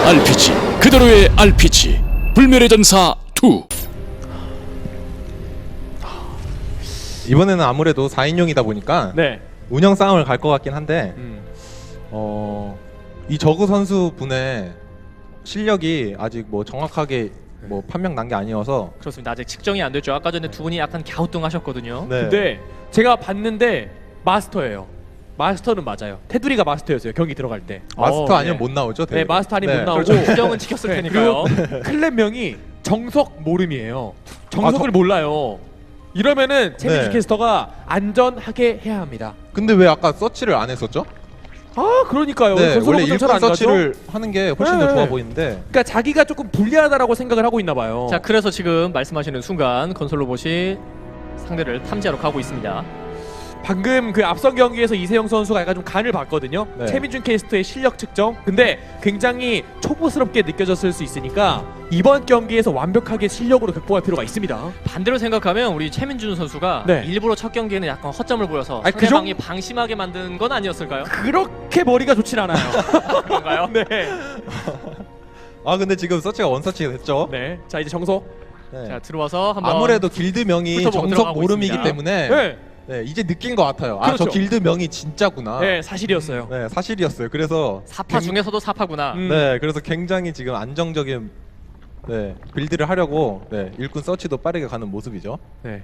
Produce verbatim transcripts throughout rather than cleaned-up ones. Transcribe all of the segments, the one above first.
알피지 그대로의 알피지 불멸의 전사 이. 이번에는 아무래도 사 인용이다 보니까 네. 운영 싸움을 갈 것 같긴 한데 음. 어, 이 저그 선수 분의 실력이 아직 뭐 정확하게 뭐 판명 난 게 아니어서 그렇습니다. 아직 측정이 안 됐죠. 아까 전에 두 분이 약간 갸우뚱하셨거든요. 네. 근데 제가 봤는데 마스터예요. 마스터는 맞아요. 테두리가 마스터였어요. 경기 들어갈 때. 마스터 어, 아니면 네. 못 나오죠. 네, 마스터 아니면 네. 못 나오고 그렇죠. 규정은 지켰을 네, 테니까요. 그리고 클랜명이 정석 모름이에요. 정석을 아, 저- 몰라요. 이러면은 채민주 네. 캐스터가 안전하게 해야 합니다. 근데 왜 아까 서치를 안 했었죠? 아, 그러니까요. 네, 건설 원래 로봇은 일꾼 잘안 가죠? 서치를 하는 게 훨씬 네. 더 좋아 보이는데 그러니까 자기가 조금 불리하다라고 생각을 하고 있나 봐요. 자, 그래서 지금 말씀하시는 순간 건설 로봇이 상대를 탐지하러 가고 있습니다. 방금 그 앞선 경기에서 이세영 선수가 약간 좀 간을 봤거든요. 네. 최민준 캐스터의 실력 측정. 근데 굉장히 초보스럽게 느껴졌을 수 있으니까 이번 경기에서 완벽하게 실력으로 극복할 필요가 있습니다. 반대로 생각하면 우리 최민준 선수가 네. 일부러 첫 경기에는 약간 허점을 보여서 아니, 그 상대방이 방심하게 만든 건 아니었을까요? 그렇게 머리가 좋진 않아요. 그런가요? 네. 아 근데 지금 서치가 원서치가 됐죠. 네. 자, 이제 정석. 네. 자, 들어와서 한번 아무래도 길드명이 훑어보고 정석 들어가고 모름이기 있습니다. 때문에 네. 네, 이제 느낀 것 같아요. 아, 저 그렇죠. 길드명이 진짜구나. 네, 사실이었어요. 네, 사실이었어요. 그래서 사파 굉- 중에서도 사파구나. 음. 네, 그래서 굉장히 지금 안정적인 네, 빌드를 하려고 네, 일꾼 서치도 빠르게 가는 모습이죠. 네.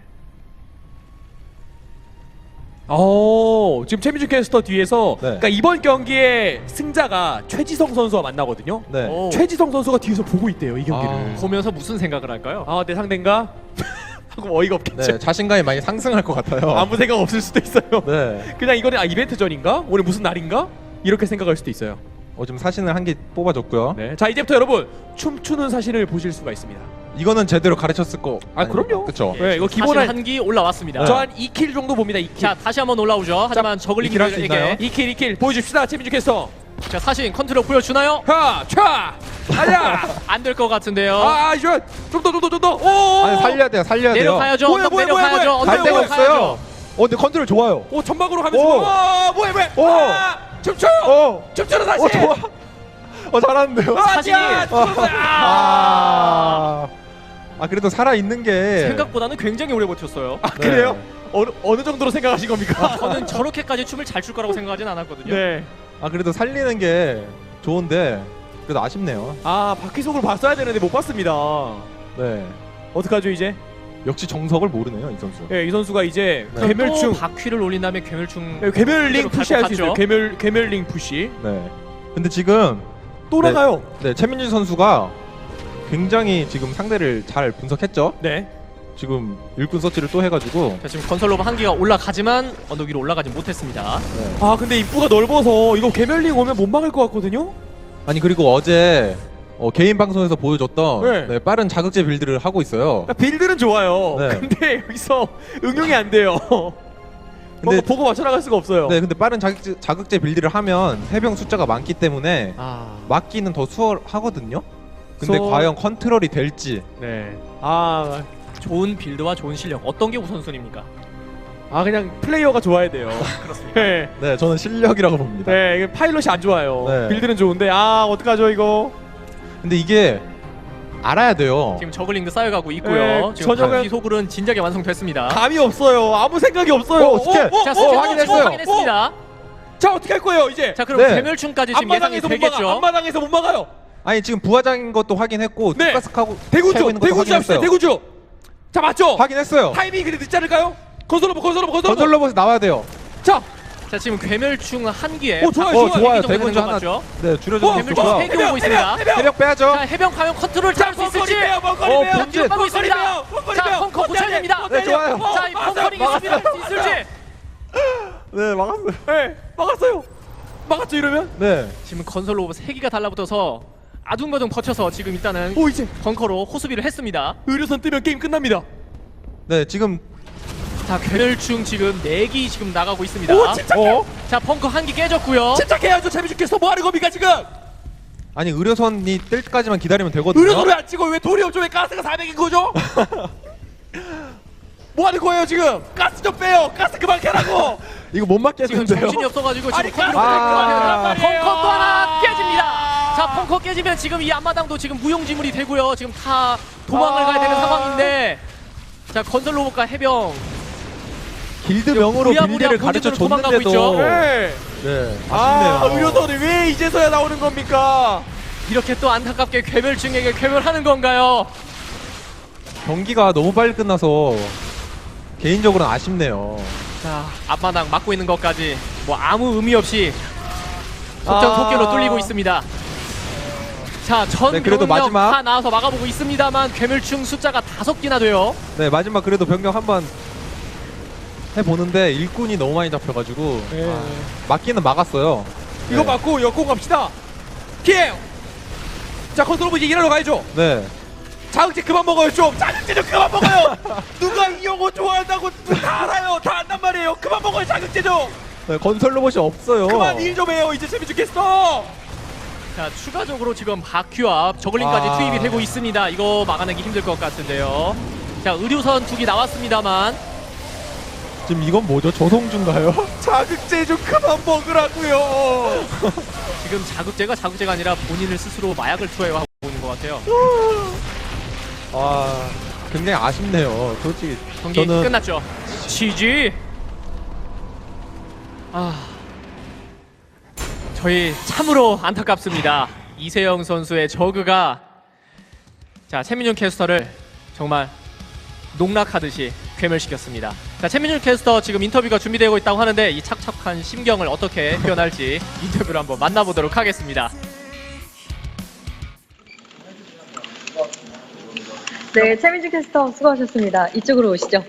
어, 지금 최민준 캐스터 뒤에서 네. 그러니까 이번 경기의 승자가 최지성 선수와 만나거든요. 네. 오, 최지성 선수가 뒤에서 보고 있대요, 이 경기를. 아. 보면서 무슨 생각을 할까요? 아, 내 상대인가? 하고 어이가 없겠죠. 네, 자신감이 많이 상승할 것 같아요. 아무 생각 없을 수도 있어요. 네. 그냥 이거는 아 이벤트전인가? 오늘 무슨 날인가? 이렇게 생각할 수도 있어요. 어, 지금 사진을 한 개 뽑아줬고요. 네. 자, 이제부터 여러분 춤추는 사실을 보실 수가 있습니다. 이거는 제대로 가르쳤을 거. 아, 그럼요. 그렇죠. 네, 이거 기본 사실 한- 한기 올라왔습니다. 저 한 이 킬 정도 봅니다. 이 킬. 자, 다시 한번 올라오죠. 하지만 이 킬 할수 있나요? 저글링에게 이 킬, 이 킬 보여줍시다. 최민준 캐스터. 자, 사신 컨트롤 보여주나요? 하, 차, 아야. 안 될 것 같은데요. 아, 이거 좀더 좀 더 좀 더. 오. 아니 살려야 돼요. 살려야 돼요. 내려가야죠. 뭐야, 언덕 뭐야, 뭐야, 내려가야죠. 뭐야. 언덕 갈 데가 내려가야죠. 없어요. 어, 근데 컨트롤 좋아요. 오, 전방으로 가면서. 오. 와, 뭐야, 뭐야. 오. 아, 춤춰요. 어. 춤추는 사실. 어, 좋아. 어, 잘하는데요. 아, 사진이- 야, 죽었어요. 아. 아. 아, 그래도 살아 있는 게 생각보다는 굉장히 오래 버텼어요. 아, 그래요? 어느 어느 정도로 생각하신 겁니까? 저는 저렇게까지 춤을 잘 출 거라고 생각하진 않았거든요. 네. 아, 그래도 살리는 게 좋은데 그래도 아쉽네요. 아, 바퀴속을 봤어야 되는데 못 봤습니다. 네. 어떡하죠 이제? 역시 정석을 모르네요, 이 선수. 예, 이 선수가 이제 네. 또 괴멸충, 바퀴를 올린 다음에 괴멸충 예, 괴멸링 그대로 푸시할 수 갈것 있어요. 같죠? 괴멸 괴멸링 푸시. 네. 근데 지금 또 네. 나가요. 네, 최민준 선수가 굉장히 지금 상대를 잘 분석했죠. 네. 지금 일꾼 서치를 또 해가지고 자, 지금 건설 로봇 한 개가 올라가지만 언덕 위로 올라가지 못했습니다. 네. 아, 근데 입구가 넓어서 이거 괴멸링 오면 못 막을 것 같거든요. 아니 그리고 어제 어, 개인 방송에서 보여줬던 네. 네, 빠른 자극제 빌드를 하고 있어요. 그러니까 빌드는 좋아요. 네. 근데 여기서 응용이 안 돼요. 근데- 뭔가 보고 맞춰 나갈 수가 없어요. 네, 근데 빠른 자극제, 자극제 빌드를 하면 해병 숫자가 많기 때문에 아, 막기는 더 수월하거든요. 근데 수- 과연 컨트롤이 될지. 네. 아, 좋은 빌드와 좋은 실력 어떤 게 우선순위입니까? 아 그냥 플레이어가 좋아야 돼요. 그렇습니다. 네. 네, 저는 실력이라고 봅니다. 네, 이게 파일럿이 안 좋아요. 네. 빌드는 좋은데 아 어떡하죠 이거? 근데 이게 알아야 돼요. 지금 저글링도 쌓여가고 있고요. 네, 지금 저녁은- 바퀴속은 진작에 완성됐습니다. 감이 없어요. 아무 생각이 없어요. 오, 스캔! 오, 오, 자, 오, 스캔 오, 확인했어요. 오, 확인했습니다. 자 어떻게 할 거예요 이제? 자, 그럼 네. 괴멸충까지 지금 예상이 앞마당에서 못 막아. 되겠죠. 앞마당에서 못 막아요. 아니 지금 부하장인 것도 확인했고 네. 투가스하고 대구주, 대구주 합시다. 대구주. 자 맞죠? 확인했어요. 타이밍이 근데 늦지 않을까요? 건설로버, 건설로버, 건설로버. 건설 로봇이 나와야 돼요. 자, 자, 지금 괴멸충 한 기에 오, 좋아요, 어, 좋아요. 좋아요. 정도 대군주 되는 것 하나 같죠? 네, 줄여주는 어, 게 괴물주 좋고요. 세 개 오고 있습니다. 세력 빼야죠. 자, 해병 과연 컨트롤 자, 잘할 수 벙커리 있을지. 빼요, 벙커리 어, 빼요. 본진. 하고 있습니다. 빼요, 벙커리 자, 빼요. 벙커 고쳐야 됩니다. 네, 좋아요. 자, 이 벙커링 있습니다. 할수 있을지. 네, 막았어요. 네, 막았어요. 막았죠 이러면? 네. 지금 건설 로봇 세 기가 달라붙어서 아둥바둥 버텨서 지금 일단은 오 이제 벙커로 호수비를 했습니다. 의료선 뜨면 게임 끝납니다. 네, 지금 자, 괴멸충 지금 네 기 지금 나가고 있습니다. 오 침착해. 어? 자, 벙커 한 기 깨졌고요. 침착해야죠. 재미죽겠어. 뭐 하는 겁니까 지금? 아니 의료선이 뜰 때까지만 기다리면 되거든요. 의료선 왜안 찍어? 왜 돌이 없죠? 왜 가스가 사백인 거죠? 뭐 하는 거예요 지금? 가스 좀 빼요. 가스 그만 캐라고. 이거 못 지금 맞겠는데요. 정신이 없어가지고 지금 아니, 컴퓨터 가스 아. 벙커 또 하나 깨집니다. 자, 펑커 깨지면 지금 이 앞마당도 지금 무용지물이 되고요. 지금 다 도망을 아. 가야 되는 상황인데, 자, 건설 로봇과 해병. 길드명으로 부랴부랴 빌드를 가르쳐 본진으로 도망가고 있죠. 줬는데도 네. 네, 아, 아쉽네요. 의료선이 왜 이제서야 나오는 겁니까? 이렇게 또 안타깝게 괴멸충에게 괴멸하는 건가요? 경기가 너무 빨리 끝나서 개인적으로는 아쉽네요. 자, 앞마당 막고 있는 것까지 뭐 아무 의미 없이 속전 아. 속결로 뚫리고 있습니다. 자, 전 네, 그래도 병력 마지막. 다 나와서 막아보고 있습니다만 괴멸충 숫자가 다섯 개나 돼요. 네, 마지막 그래도 병력 한번 해보는데 일꾼이 너무 많이 잡혀가지고 네. 아, 막기는 막았어요. 이거 네. 맞고 역공 갑시다. 킬! 자, 컨트롤 보지 일하러 가야죠. 네. 자극제 그만 먹어요 좀. 자극제 좀 그만 먹어요. 누가 이 영어 좋아한다고 다 알아요. 다 안단 말이에요. 그만 먹어요 자극제 좀. 네, 건설 로봇이 없어요. 그만 일 좀 해요. 이제 재미 죽겠어. 자, 추가적으로 지금 바퀴와 저글링까지 아. 투입이 되고 있습니다. 이거 막아내기 힘들 것 같은데요. 자, 의료선 두 개 나왔습니다만, 지금 이건 뭐죠? 조성주인가요? 자극제 좀 그만 먹으라고요. 지금 자극제가 자극제가 아니라 본인을 스스로 마약을 투여하고 있는 것 같아요. 아, 굉장히 아쉽네요. 솔직히 경기 저는 끝났죠. 지지. 아, 저희 참으로 안타깝습니다. 이세영 선수의 저그가 자 최민준 캐스터를 정말 농락하듯이 괴멸시켰습니다. 자, 최민준 캐스터 지금 인터뷰가 준비되고 있다고 하는데 이 착착한 심경을 어떻게 표현할지 인터뷰를 한번 만나보도록 하겠습니다. 네, 최민주 캐스터 수고하셨습니다. 이쪽으로 오시죠.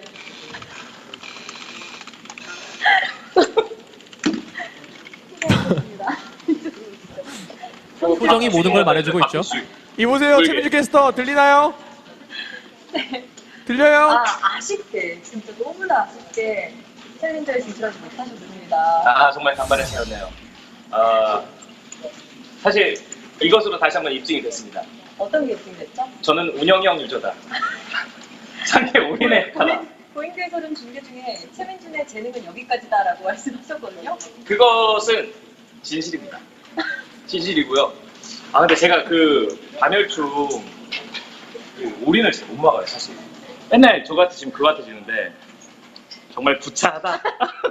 표정이 모든 걸 말해주고 있죠. 이보세요 최민주 캐스터 들리나요? 네. 들려요? 아, 아쉽게, 진짜 너무나 아쉽게 챌린저에 진출하지 못하셨습니다. 아 정말 간발의 차였네요. 어, 사실 이것으로 다시 한번 입증이 됐습니다. 어떤 게 입증됐죠? 저는 운영형 유저다. 상대 올인에 하나. 고인대에서는 중계 중에 최민준의 재능은 여기까지다라고 말씀하셨거든요. 그것은 진실입니다. 진실이고요. 아 근데 제가 그 반열충 그 올인을 잘 못 막아요 사실. 맨날 저 같아지면 그 같아지는데 정말 부차하다.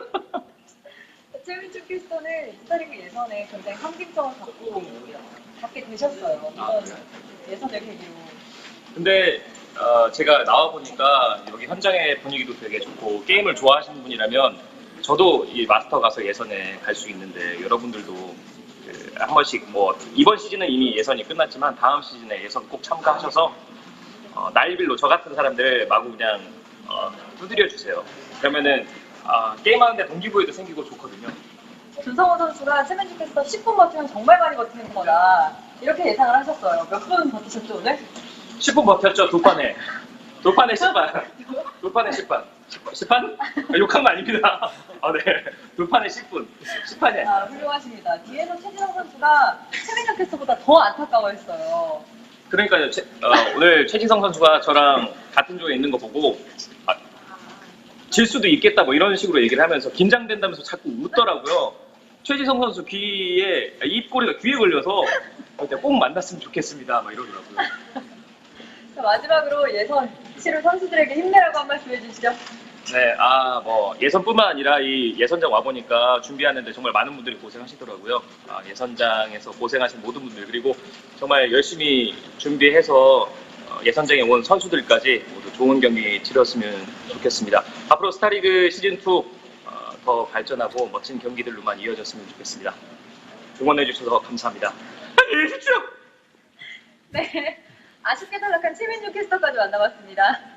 최민준 캐스터는 스타리그 예선에 굉장히 상징성을 갖고 갖게 되셨어요. 이번 예선을 계기로. 근데 어, 제가 나와 보니까 여기 현장의 분위기도 되게 좋고 게임을 좋아하시는 분이라면 저도 이 마스터 가서 예선에 갈 수 있는데 여러분들도 그, 한 번씩 뭐 이번 시즌은 이미 예선이 끝났지만 다음 시즌에 예선 꼭 참가하셔서 어, 나일빌로 저 같은 사람들 마구 그냥 어, 두드려 주세요. 그러면은 아, 게임하는데 동기부여도 생기고 좋거든요. 준성호 선수가 최민준 캐스터 십 분 버티면 정말 많이 버티는 거다. 이렇게 예상을 하셨어요. 몇 분 버티셨죠 오늘? 십 분 버텼죠 두 판에. 두 판에 십 판. 두 판에 십 판. 십 판? 아, 욕한 거 아닙니다. 아, 네. 두 판에 십 분. 십 판이 아니에요. 아, 훌륭하십니다. 뒤에서 최진성 선수가 최민준 캐스터보다 더 안타까워했어요. 그러니까요. 최, 어, 오늘 최진성 선수가 저랑 같은 조에 있는 거 보고 아, 질 수도 있겠다 뭐 이런 식으로 얘기를 하면서 긴장된다면서 자꾸 웃더라고요. 최지성 선수 귀에 입꼬리가 귀에 걸려서 꼭 만났으면 좋겠습니다 막 이러더라고요. 자, 마지막으로 예선 치를 선수들에게 힘내라고 한 말씀 해주시죠. 네, 아 뭐 예선뿐만 아니라 이 예선장 와 보니까 준비하는데 정말 많은 분들이 고생하시더라고요. 아, 예선장에서 고생하신 모든 분들 그리고 정말 열심히 준비해서 어, 예선장에 온 선수들까지 모두 좋은 경기 치렀으면 좋겠습니다. 앞으로 스타리그 시즌 투 어, 더 발전하고 멋진 경기들로만 이어졌으면 좋겠습니다. 응원해 주셔서 감사합니다. 안녕히 계십시오. 네, 아쉽게 탈락한 최민준 캐스터까지 만나봤습니다.